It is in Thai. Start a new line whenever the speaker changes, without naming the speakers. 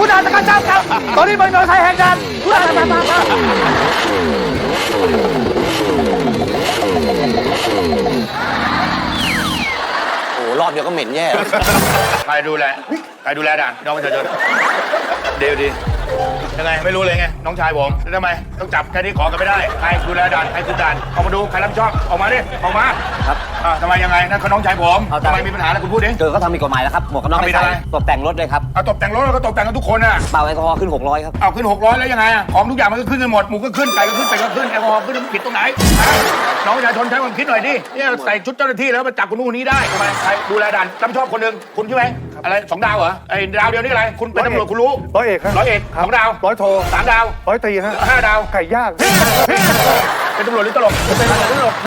คุณอาจจะกระชับครับตอนนี้เป็นมอเตอร์ไซค์แหกด่านคุณอาจจะมา
โอ้รอบเดียวก็เหม็นแย่
ใครดูแลด่านน้องประชาชนดียังไงไม่รู้เลยไงน้องชายผมแล้วทำไมต้องจับแค่นี้ขอกันไม่ได้ใครดูแลด่านใครคุมด่านออกมาดูใครรับผิดชอบออกมาดิออกมา
ครับ
ทำไมยังไงนั่นเขาน้องชายผม
เอา
ทำไมมีปัญหาอะไรคุณพูดดิ
เจอเขาทำผิดกฎหมายแล้วครับหมวกกันน็อก
ทำผิ
ไม่
ด
ใส่
อะไร
ตกแต่งรถเลยครับ
เอาตบแต่งรถแล้วก็ตบแต่งกันทุกคนอ่ะ
เป่าแอลกอฮอล์ขึ้น600ครับ
เอาขึ้น600แล้วยังไงอะของทุกอย่างมันก็ขึ้นกันหมดหมูก็ขึ้นไก่ก็ขึ้นเป็ดก็ขึ้นแอลกอฮอล์ขึ้นผิดตรงไหนน้องประชาชนใช้ความคิดหน่อยดิเนี่ยใส่ชุดเจ้าหน้าที่แล้วมาจับคนนู้นคนนี้ได้ทำไมใครดูแลด่านรับผิดชอบคนหนึ่งคุณใช่ไหมอะไร2 ดาวเหรอไอ้ดาวเดียวนี่อะไรคุณเป็นตำรวจคุณรู้
ร้อยเอกครับ
100 เอก2 ดาว
ร้อยโท
3 ดาว
ร้อยตรีฮะ
5 ดาว
ไก่ย่าง
เป็นตำรวจหรือตลกเป็นตำรวจ